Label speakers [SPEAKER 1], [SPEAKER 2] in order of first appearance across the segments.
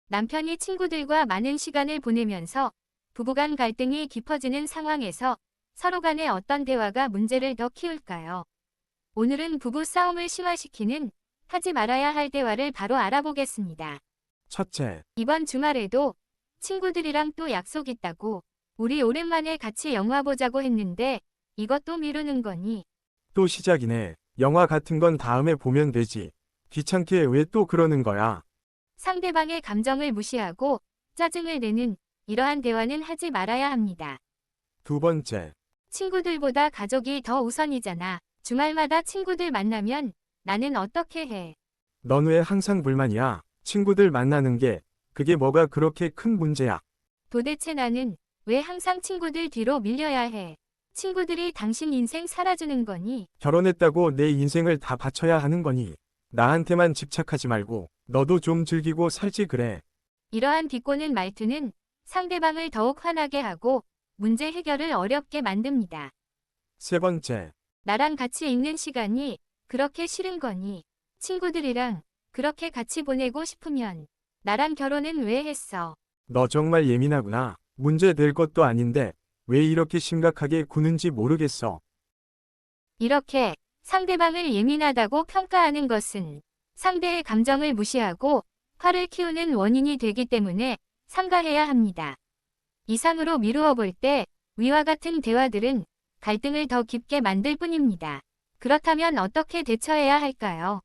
[SPEAKER 1] 남편이 친구들과 많은 시간을 보내면서 부부간 갈등이 깊어지는 상황에서 서로 간에 어떤 대화가 문제를 더 키울까요? 오늘은 부부 싸움을 심화시키는 하지 말아야 할 대화를 바로 알아보겠습니다.
[SPEAKER 2] 첫째,
[SPEAKER 1] 이번 주말에도 친구들이랑 또 약속 있다고 우리 오랜만에 같이 영화 보자고 했는데 이것도 미루는 거니?
[SPEAKER 2] 또 시작이네. 영화 같은 건 다음에 보면 되지. 귀찮게 왜 또 그러는 거야?
[SPEAKER 1] 상대방의 감정을 무시하고 짜증을 내는 이러한 대화는 하지 말아야 합니다.
[SPEAKER 2] 두 번째,
[SPEAKER 1] 친구들보다 가족이 더 우선이잖아. 주말마다 친구들 만나면 나는 어떻게 해?
[SPEAKER 2] 넌 왜 항상 불만이야? 친구들 만나는 게, 그게 뭐가 그렇게 큰 문제야?
[SPEAKER 1] 도대체 나는 왜 항상 친구들 뒤로 밀려야 해? 친구들이 당신 인생 살아주는 거니?
[SPEAKER 2] 결혼했다고 내 인생을 다 바쳐야 하는 거니? 나한테만 집착하지 말고, 너도 좀 즐기고 살지 그래.
[SPEAKER 1] 이러한 비꼬는 말투는 상대방을 더욱 화나게 하고 문제 해결을 어렵게 만듭니다.
[SPEAKER 2] 세 번째,
[SPEAKER 1] 나랑 같이 있는 시간이 그렇게 싫은 거니? 친구들이랑 그렇게 같이 보내고 싶으면 나랑 결혼은 왜 했어?
[SPEAKER 2] 너 정말 예민하구나. 문제 될 것도 아닌데, 왜 이렇게 심각하게 구는지 모르겠어.
[SPEAKER 1] 이렇게 상대방을 예민하다고 평가하는 것은 상대의 감정을 무시하고 화를 키우는 원인이 되기 때문에 삼가해야 합니다. 이상으로 미루어 볼 때 위와 같은 대화들은 갈등을 더 깊게 만들 뿐입니다. 그렇다면 어떻게 대처해야 할까요?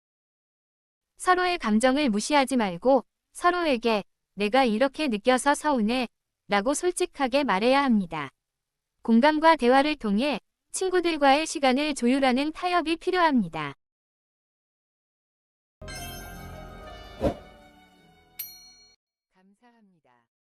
[SPEAKER 1] 서로의 감정을 무시하지 말고 서로에게 내가 이렇게 느껴서 서운해 라고 솔직하게 말해야 합니다. 공감과 대화를 통해 친구들과의 시간을 조율하는 타협이 필요합니다. 감사합니다.